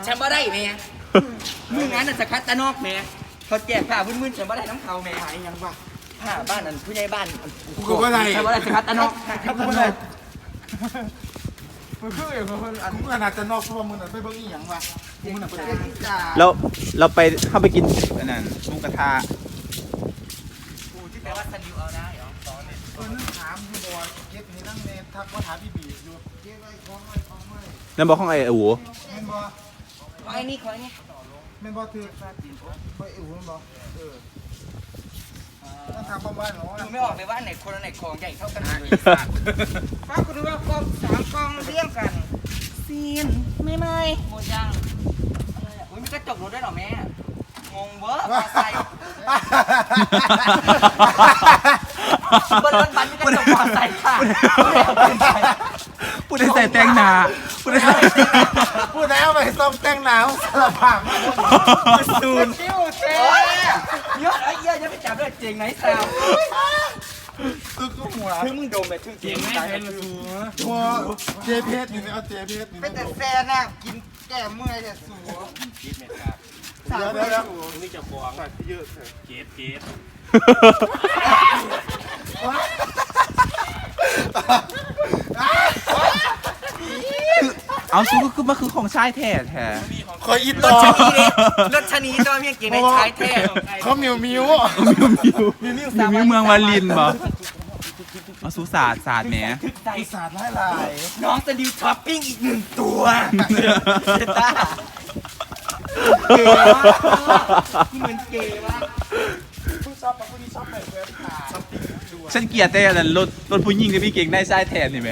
ฉันบ่ได้แม่มืองานน่ะสกัดตะนอกแม่เขาแจกผ้ามึนๆฉันบ่ได้น้ำเขาแม่หายยังวะผ้าบ้านนั้นผู้ใหญ่บ้านกูก็บ่ได้ฉันบ่ได้สกัดตะนอกกูก็บ่ได้มึงคืออย่างคนอันมึงขนาดจะนอกเพราะว่ามึงน่ะไปเบิ่งอีหยังวะกูมึงน่ะไปเบิ่งแล้วเราไปเข้าไปกินอันนั้นหมูกระทะกูที่แปลว่าซันดิวเอาได้เหรอสอนเนี่ยถามอยู่บ่เก็บนี่นั่งเนทักว่าถามพี่บีอยู่เก็บไว้ของไว้ของไว้นั่นบอกของไอ้อู๋แม่นบ่ขอไอ้นี่ขอไอ้นี่แม่นบ่ถือไปอู่แม่นบ่ต้องทำบ้านๆเนาะดูไม่ออกเลยว่าอันไหนคนอันไหนของใหญ่เท่ากันเลยฟ้ากูดูว่ากอง3กองเรียงกันซีนไม่หมดยังอะไรอ่ะอุ้ยมีกระจกรถด้วยเหรอแม่งงเวอร์มาใส่บนรถบัสมีกระจกมอไซค์ค่ะพูดได้ใส่แตงหนาพูดได้ใส่พูดแล้วไปซ่อมแต่งหนาวสารภาพมาซูนจิ้วเจ๊ยอดไอ้เหี้ยจะไปจับด้วยเจ๋งไหนแซวคือกูหัวถึงมึงโดนแบบถึงเจ๋งไหมหัวเจเพชรนี่เอาเจเพชรนี่เป็นแต่แซ่น่ะกินแก้เมื่อยแต่สูสามเดี๋ยวนี่จะฟ้องใส่เยอะเลยเกตเอาซูก็คือมันคือของชายแท้แท้คอยอีรต่ถอชนีเลยรถชนีตัวเมียเก่งในชายแท้เขามิวมิวเมืองวาลินบ่เอาซูศาสตร์แหมใจปีศาจหลายน้องจะดิวท็อปปิ้งอีก1 ตัวเจต้าเก๋มากเหมือนเก๋มากผู้ชอบกับผู้ที่ชอบแบบเว็บขาช้อปปิ้งดูฉันเกลียดแต่อันนั้นรถผู้หญิงที่พี่เก่งได้ชายแท้นี่แหม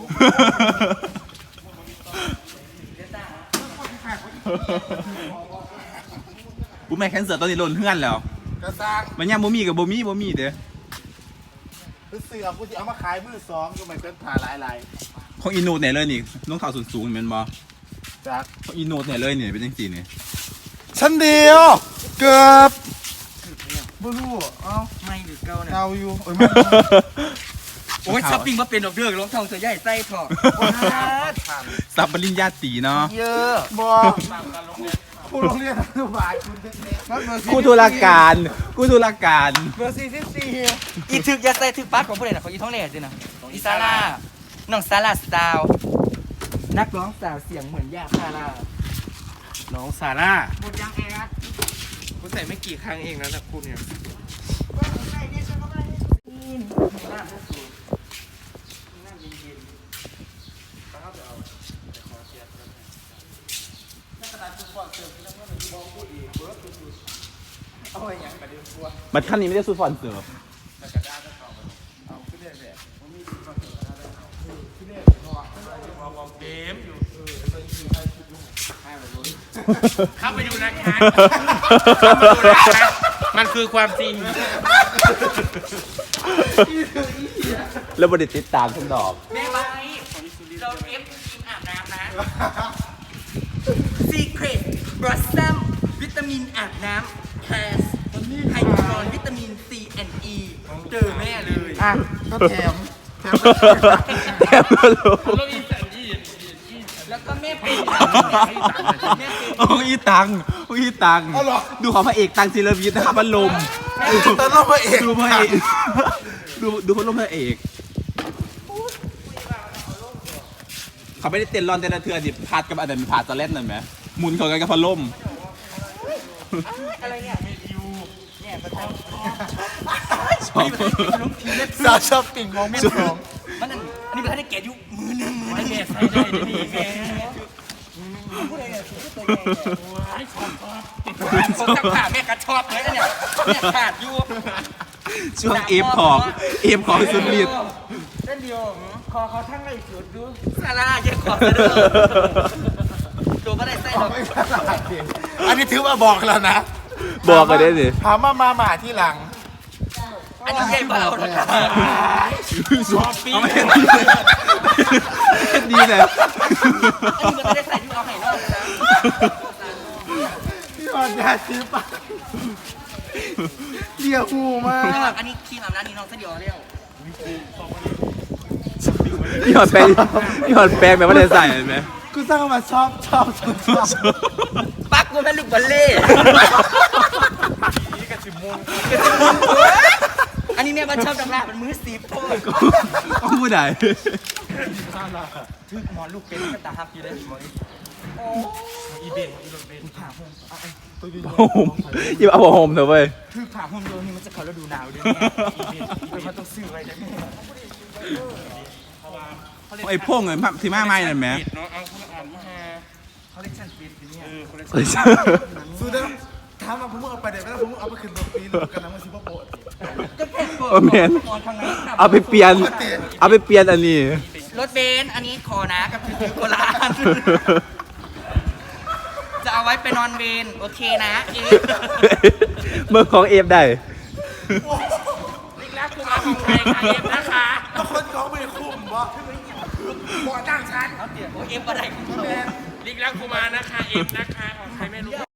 กูแม่แคนเสือตอนนี้หล่นเฮือนแล้วกระซังมันยังบ่มีกับบ่มีเด้อเสือกูจะเอามาขายมือ2ก็ไม่เป็นผ่าหลายของอีโนดไหนเลยนี่น้องข่าวสูงๆแม่นบ่ๆจากของอีโนดไหนเลยนี่เป็นจังซี่นี่ชั้นเดียวเกือบบ่รู้เอ้าไม่หรือเกาเนี่ยเกาอยู่โอ้ยมันโอ้ยช้อปปิ้งมาเป็นดอกเดือกรองเท้าเสื้อใหญ่ไส้ถอดสับปริญญาตรีเนาะเยอะบ่ครูโรงเรียนอนุบาลคุณเด็กๆกูธุรการเบอร์44 อีถึกยาใส่ถึกปัดของผู้ใดน่ะของอีท้องแหล่สินะอีซาร่าน้องซาร่าสตาวนักร้องสาวเสียงเหมือนยาซาร่าน้องซาร่าหมดยังแอดกูใส่ไม่กี่ครั้งเองนะแต่คุณเนี่ยมันขั้นนี้ไม่ได้สูฟอนเสิร์ฟเกมอยู่เข้าไปดูนะคะมันคือความจริงแล้วบริติดตามทุกดอกแม่ไว้เราเอฟทีมอาบน้ำนะ Secret Blossom วิตามินอาบน้ำ has ไฮดรอนวิตามิน C and E เจอแม่เลยอ่ะก็แถมแถมก็รู้แล้วก็แม่เป็นแม่เป็นโอ้ยตังดูของพระเอกตังศิลวิทย์นะครับพัดลมแต่ต้องมาเอกดูพระเอกดูพัดลมพระเอกเขาไม่ได้เต้นรอนแต่ละเทือนดิพาดกับอันนั้นพาดตะเล่นนั่นไหมหมุนเขากันกับพัดลมอะไรเนี่ยเนี่ยประจชอบสาวช้อปปิ้งมองไม่สองำมันอันนี้เป็นท่านได้แก่ยุมือหนึ่งไม่แม่ใส่ได้ดีแม่ผู้ใดเนี่ยตัวใหญ่ผมจะขาดแม่กระชอบเลยเนี่ยเนี่ยขาดอยู่ช่วงเอฟของสุดฤทธิ์เส้นเดียวคอเขาทั้งไรสุดดูซาร่าเยอะขอซะด้วยตัวก็ได้ไส้ดอกอันนี้ถือว่าบอกแล้วนะบอกกันได้สิถามมาหมาที่หลังอันนี้ใหญ่เบานะครับเอาไม่ดีเลยอันนี้มันก็ได้ใส่ยูเอาไห่นอกนะพี่ออนยาชีปะเรียกหูมากอันนี้ครีมอาบน้ำนี่น้องเส้นเดียวเรียวพี่หอดแปลงแบบว่าได้ใส่เห็นไหมกูสร้างมาชอบปักกูเป็นลูกบอลเล่อันนี้เนี่ยมันชอบดำรามันมือสีโพดก็พูดได้ทึกหมอนลูกเป็นก็ตาฮับอยู่เลยหมอนโอ้อีเบนอีรถเบนผ่าห่มหยิบเอาผ้าห่มเถอะเว้ยคือผ่าห่มโยนนี่มันจะเขาฤดูหนาวด้วยเนี่ยอีเบนมันต้องซื้อไว้ได้ไหมไอ้พวกเงินที่มาไม่นั่นไหมปิดเนาะเอาคุณอ่านมาเขาเรียกชั้นปิดเนี่ยสุดแล้วถามมาผมเอาไปเดี๋ยวไม่ต้องผมเอาไปขึ้นรถปีนกันนะมันซิบโปะก็แค่เปิดโอ้แมนนอนทางไหนเอาไปเปลี่ยนอันนี้รถเบนซ์อันนี้ขอนะกับถือโกลาณจะเอาไว้ไปนอนเวรโอเคนะเอ๊ะเมื่อของเอฟได้ลิกลักคุณมาของใครคะเอฟนะคะแล้วคนเขาไม่คุ้มวะบ่อจ้างฉันเอาเตี๋ยโอ้เอฟอะไรของเขาลิกลักคุณมานะคะเอฟนะคะของใครไม่รู้